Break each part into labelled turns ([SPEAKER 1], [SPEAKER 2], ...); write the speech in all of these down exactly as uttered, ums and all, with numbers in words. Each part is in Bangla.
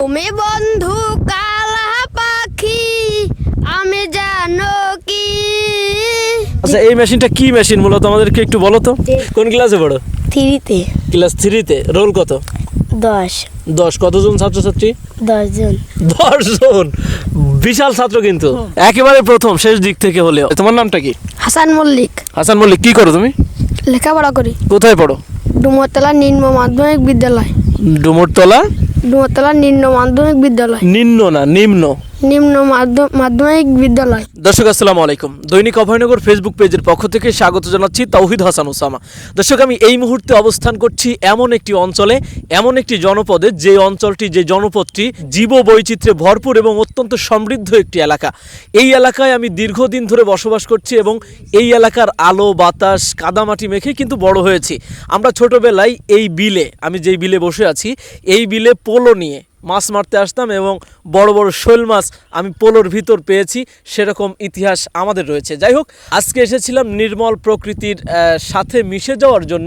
[SPEAKER 1] তুমি বন্ধু কালা পাখি আমি জানো কি।
[SPEAKER 2] আচ্ছা, এই মেশিনটা কি মেশিন মূলত আমাদেরকে একটু বলো তো। কোন ক্লাসে পড়ো?
[SPEAKER 1] থ্রিতে।
[SPEAKER 2] ক্লাস থ্রিতে। রোল কত?
[SPEAKER 1] দশ।
[SPEAKER 2] দশ। কতজন ছাত্রছাত্রী?
[SPEAKER 1] দশ জন।
[SPEAKER 2] দশ জন, বিশাল ছাত্র কিন্তু। একেবারে প্রথম শেষ দিক থেকে হলেও। তোমার নামটা কি?
[SPEAKER 1] হাসান মল্লিক।
[SPEAKER 2] হাসান মল্লিক। কি করো তুমি?
[SPEAKER 1] লেখাপড়া করি।
[SPEAKER 2] কোথায় পড়ো?
[SPEAKER 1] ডুমরতলা নিম্ন মাধ্যমিক বিদ্যালয়।
[SPEAKER 2] ডুমরতলা
[SPEAKER 1] ডুমরতলা নিম্ন মাধ্যমিক বিদ্যালয়।
[SPEAKER 2] নিম্ন না নিম্ন
[SPEAKER 1] নিম্ন মাধ্য- মাধ্যমিক বিদ্যালয়।
[SPEAKER 2] দর্শক আসসালামু আলাইকুম। দৈনিক অভয়নগর ফেসবুক পেজের পক্ষ থেকে স্বাগত জানাচ্ছি তৌহিদ হাসান ওসামা। দর্শক, আমি এই মুহূর্তে অবস্থান করছি এমন একটি অঞ্চলে, এমন একটি জনপদে, যে অঞ্চলটি, যে জনপদটি জীব বৈচিত্র্যে ভরপুর এবং অত্যন্ত সমৃদ্ধ একটি এলাকা। এই এলাকায় আমি দীর্ঘদিন ধরে বসবাস করছি এবং এই এলাকার আলো বাতাস কাদামাটি মেখে কিন্তু বড় হয়েছি। আমরা ছোটোবেলায় এই বিলে, আমি যেই বিলে বসে আছি, এই বিলে পোলো নিয়ে মাছ মারতে আসতাম এবং বড় বড় শোল মাছ আমি পোলোর ভিতর পেয়েছি। সেরকম ইতিহাস আমাদের রয়েছে। যাই হোক, আজকে এসেছিলাম নির্মল প্রকৃতির সাথে মিশে যাওয়ার জন্য,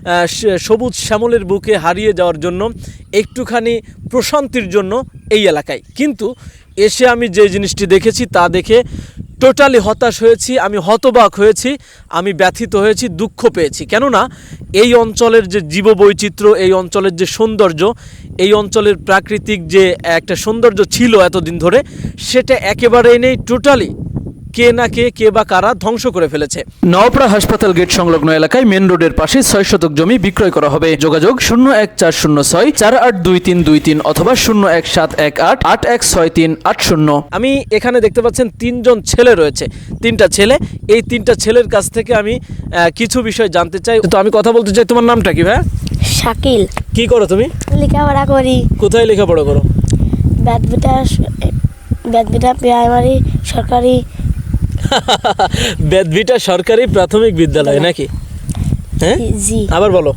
[SPEAKER 2] সবুজ শ্যামলের বুকে হারিয়ে যাওয়ার জন্য, একটুখানি প্রশান্তির জন্য এই এলাকায়। কিন্তু এসে আমি যে জিনিসটি দেখেছি তা দেখে টোটালি হতাশ হয়েছি, আমি হতবাক হয়েছি, আমি ব্যথিত হয়েছি, দুঃখ পেয়েছি। কেননা এই অঞ্চলের যে জীববৈচিত্র্য, এই অঞ্চলের যে সৌন্দর্য, এই অঞ্চলের প্রাকৃতিক যে একটা সৌন্দর্য ছিল এতদিন ধরে, সেটা একেবারেই নেই। টোটালি কে না কে কে বা কারা ধ্বংস করে ফেলেছে। নওপাড়া হাসপাতাল গেট সংলগ্ন এলাকায় মেন রোডের পাশে ছয় শতক জমি বিক্রয় করা হবে। যোগাযোগ শূন্য এক চার শূন্য ছয় চার আট দুই তিন দুই তিন অথবা শূন্য এক সাত এক আট আট এক ছয় তিন আট শূন্য। আমি এখানে দেখতে পাচ্ছেন তিনজন ছেলে রয়েছে, তিনটা ছেলে। এই তিনটা ছেলের কাছ থেকে আমি কিছু বিষয় জানতে চাই। তো আমি কথা বলতে চাই, তোমার নামটা কি ভাই?
[SPEAKER 1] শাকিল।
[SPEAKER 2] কি করো তুমি?
[SPEAKER 1] লেখাপড়া করি।
[SPEAKER 2] কোথায় লেখাপড়া করো?
[SPEAKER 1] বেদবিটা বেদবিটা প্রাইমারি সরকারি
[SPEAKER 2] বেদবিটা সরকারি প্রাথমিক বিদ্যালয় নাকি? হ্যাঁ,
[SPEAKER 1] জি।
[SPEAKER 2] আবার বলো।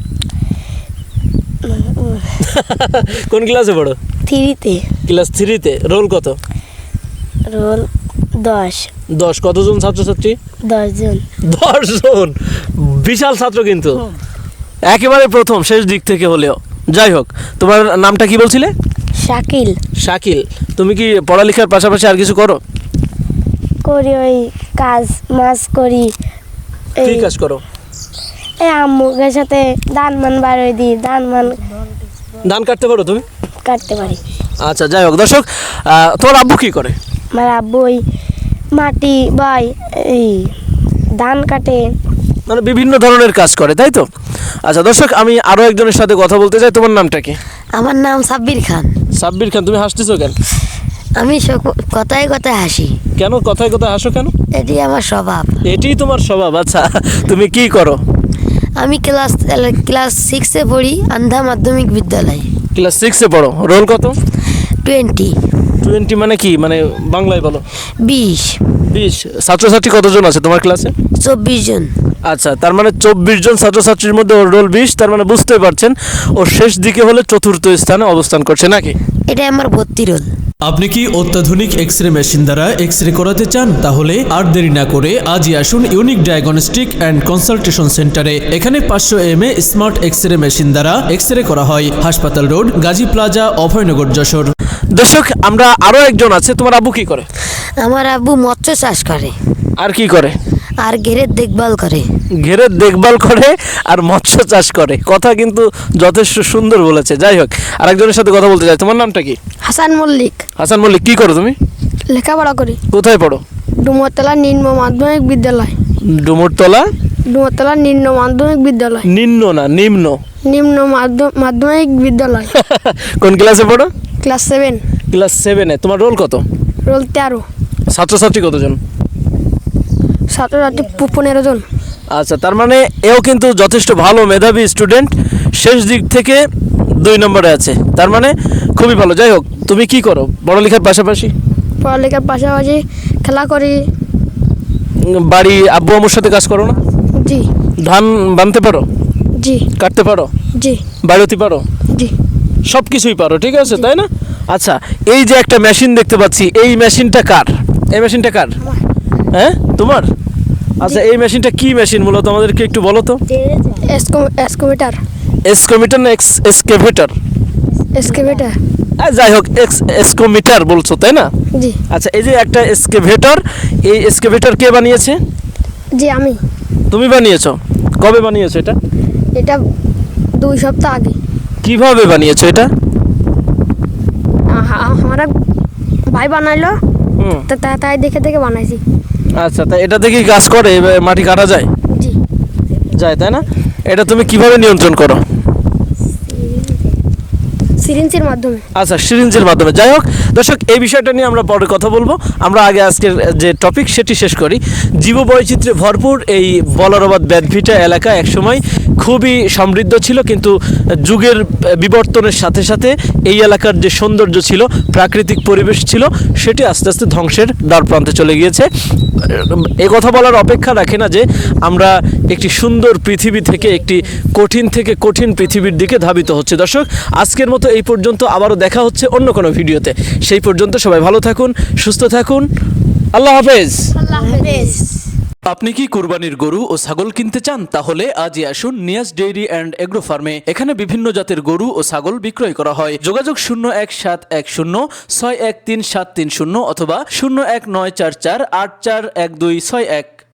[SPEAKER 2] কোন ক্লাসে পড়ো?
[SPEAKER 1] থ্রিতে।
[SPEAKER 2] ক্লাস থ্রিতে। রোল কত?
[SPEAKER 1] রোল দশ।
[SPEAKER 2] দশ। কতজন ছাত্রছাত্রী?
[SPEAKER 1] দশ জন।
[SPEAKER 2] দশ জন, বিশাল ছাত্র কিন্তু। একেবারে প্রথম শেষ দিক থেকে হলেও। যাই হোক, তোমার নামটা কি বলছিলে?
[SPEAKER 1] শাকিল।
[SPEAKER 2] শাকিল। তুমি কি পড়ালেখার পাশাপাশি আর কিছু করো?
[SPEAKER 1] করি, ওই কাজ মাছ করি।
[SPEAKER 2] কি কাজ করো?
[SPEAKER 1] এই আম্মুকের সাথে ধান মান বাড়িয়ে দিই। ধান মান
[SPEAKER 2] ধান কাটতে পারো তুমি?
[SPEAKER 1] কাটতে পারি।
[SPEAKER 2] আচ্ছা, যাই হোক দর্শক, তোমার আব্বু কি করে?
[SPEAKER 1] আমার আব্বু ওই মাটি বাই, এই ধান কাটে,
[SPEAKER 2] মানে বিভিন্ন ধরনের কাজ করে, তাই তো? আচ্ছা দর্শক, আমি আরও একজনের সাথে কথা বলতে চাই। তোমার নামটা কি?
[SPEAKER 3] আমার নাম সাব্বির খান।
[SPEAKER 2] সাব্বির খান। তুমি হাসতেছো কেন?
[SPEAKER 3] আমি কথায় কথায় হাসি।
[SPEAKER 2] কেন কথায় কথায় হাসো কেন?
[SPEAKER 3] এটি আমার স্বভাব।
[SPEAKER 2] এটাই তোমার স্বভাব? আচ্ছা, তুমি কি করো?
[SPEAKER 3] আমি ক্লাস ক্লাস সিক্সে পড়ি, আন্ধা মাধ্যমিক বিদ্যালয়।
[SPEAKER 2] ক্লাস সিক্সে পড়ো। রোল কত?
[SPEAKER 3] টোয়েন্টি।
[SPEAKER 2] টোয়েন্টি মানে কি, মানে বাংলায় বলো।
[SPEAKER 3] বিশ।
[SPEAKER 2] বিশ। ছাত্রছাত্রী কতজন আছে তোমার ক্লাসে?
[SPEAKER 3] চব্বিশ জন।
[SPEAKER 2] আচ্ছা, তার মানে চব্বিশ জন ছাত্রছাত্রীর মধ্যে ওর রোল বিশ। তার মানে বুঝতে পারছেন ও শেষ দিকে হলে চতুর্থ স্থানে অবস্থান করছে নাকি?
[SPEAKER 3] এটা আমার ভর্তি রোল।
[SPEAKER 4] আপনি কি অত্যাধুনিক এক্স রে মেশিন দ্বারা এক্স রে করাতে চান? তাহলে আর দেরি না করে আজই আসুন ইউনিক ডায়াগনস্টিক অ্যান্ড কনসালটেশন সেন্টারে। এখানে পাঁচশো M A smart X ray machine দ্বারা এক্স রে করা হয়। হাসপাতাল রোড, গাজী প্লাজা, অভয়নগর, যশোর।
[SPEAKER 2] দর্শক, আমরা আরও একজন আছে। তোমার আব্বু কি করে?
[SPEAKER 3] আমার আব্বু মৎস্য চাষ করে।
[SPEAKER 2] আর কি করে?
[SPEAKER 3] আর ঘেরের দেখভাল করে।
[SPEAKER 2] ঘেরের দেখভাল করে আর মৎস্য চাষ করে। কথা কিন্তু যথেষ্ট সুন্দর বলেছে। যাই হোক, আরেকজনের সাথে কথা বলতে চাই। তোমার নামটা কি?
[SPEAKER 1] হাসান মল্লিক।
[SPEAKER 2] হাসান মল্লিক। কি করো তুমি?
[SPEAKER 1] লেখাপড়া করি।
[SPEAKER 2] কোথায় পড়ো?
[SPEAKER 1] ডুমরতলা নিম্ন মাধ্যমিক বিদ্যালয়।
[SPEAKER 2] ডুমরতলা
[SPEAKER 1] ডুমরতলা নিম্ন মাধ্যমিক বিদ্যালয়।
[SPEAKER 2] নিম্ন না নিম্ন
[SPEAKER 1] নিম্ন মাধ্য- মাধ্যমিক বিদ্যালয়।
[SPEAKER 2] কোন ক্লাসে পড়ো?
[SPEAKER 1] Class seven.
[SPEAKER 2] ক্লাস সেভেনে। তোমার রোল কত?
[SPEAKER 1] রোল তেরো।
[SPEAKER 2] ছাত্রছাত্রী কতজন?
[SPEAKER 1] ছাত্রছাত্রী পনেরো জন।
[SPEAKER 2] আচ্ছা, তার মানে এও কিন্তু যথেষ্ট ভালো মেধাবী স্টুডেন্ট, শেষ দিক থেকে দুই নম্বরে আছে। তার মানে খুবই ভালো। যাই হোক, তুমি কি করো পড়ালেখার পাশাপাশি?
[SPEAKER 1] পড়ালেখার পাশাপাশি খেলা করি।
[SPEAKER 2] বাড়ি আব্বু আম্মুর সাথে কাজ করো না?
[SPEAKER 1] জি।
[SPEAKER 2] ধান বানতে পারো?
[SPEAKER 1] জি।
[SPEAKER 2] কাটতে পারো?
[SPEAKER 1] জি।
[SPEAKER 2] বাড়িতে পারো?
[SPEAKER 1] জি।
[SPEAKER 2] সব কিছুই পারো, ঠিক আছে, তাই না? আচ্ছা, এই যে একটা মেশিন দেখতে পাচ্ছি, এই মেশিনটা কার? এই মেশিনটা কার? হ্যাঁ, তোমার? আচ্ছা, এই মেশিনটা কি মেশিন মূলত আমাদেরকে একটু বলো তো।
[SPEAKER 1] এসকোমিটার।
[SPEAKER 2] এসকোমিটার না এক্সকেভেটর?
[SPEAKER 1] এক্সকেভেটার।
[SPEAKER 2] আর যাই হোক এক্স এক্সকোমিটার বলছো তাই না?
[SPEAKER 1] জি
[SPEAKER 2] আচ্ছা, এই যে একটা এক্সকেভেটর, এই এক্সকেভেটর কে বানিয়েছে?
[SPEAKER 1] জি আমি।
[SPEAKER 2] তুমি বানিয়েছো? কবে বানিয়েছো এটা?
[SPEAKER 1] এটা দুই সপ্তাহ আগে
[SPEAKER 2] কিভাবে বানিয়েছো এটা?
[SPEAKER 1] আ- আমার এক ভাই বানাইলো,
[SPEAKER 2] হুম,
[SPEAKER 1] তা তা- তাই দেখে দেখে বানাইছি।
[SPEAKER 2] আচ্ছা, তা এটা দেখি কাজ করে, এবার মাটি কাটা যায়?
[SPEAKER 1] জি
[SPEAKER 2] যায় তাই না? এটা তুমি কিভাবে নিয়ন্ত্রণ করো?
[SPEAKER 1] সিরিঞ্জের মাধ্যমে।
[SPEAKER 2] আচ্ছা, সিরিঞ্জের মাধ্যমে। যাই হোক দর্শক, এই বিষয়টা নিয়ে আমরা পরে কথা বলবো। আমরা আগে আজকের যে টপিক সেটি শেষ করি। জীববৈচিত্র্যে ভরপুর এই বলারবাদ বেদভিটা এলাকা একসময় খুবই সমৃদ্ধ ছিল, কিন্তু যুগের বিবর্তনের সাথে সাথে এই এলাকার যে সৌন্দর্য ছিল, প্রাকৃতিক পরিবেশ ছিল, সেটি আস্তে আস্তে ধ্বংসের দ্বার প্রান্তে চলে গিয়েছে। এ কথা বলার অপেক্ষা রাখে না যে আমরা একটি সুন্দর পৃথিবী থেকে একটি কঠিন থেকে কঠিন পৃথিবীর দিকে ধাবিত হচ্ছে। দর্শক, আজকের মতো এই পর্যন্ত, আবারও দেখা হচ্ছে অন্য কোনো ভিডিওতে। সেই পর্যন্ত সবাই ভালো থাকুন, সুস্থ থাকুন, আল্লাহ হাফেজ।
[SPEAKER 1] আল্লাহ হাফেজ।
[SPEAKER 4] আপনি কি কুরবানির গরু ও ছাগল কিনতে চান? তাহলে আজই আসুন নিয়াজ ডেইরি অ্যান্ড এগ্রো ফার্মে। এখানে বিভিন্ন জাতের গরু ও ছাগল বিক্রয় করা হয়। যোগাযোগ শূন্য এক সাত এক শূন্য ছয় এক তিন সাত তিন শূন্য অথবা শূন্য এক নয় চার চার আট চার এক দুই ছয় এক।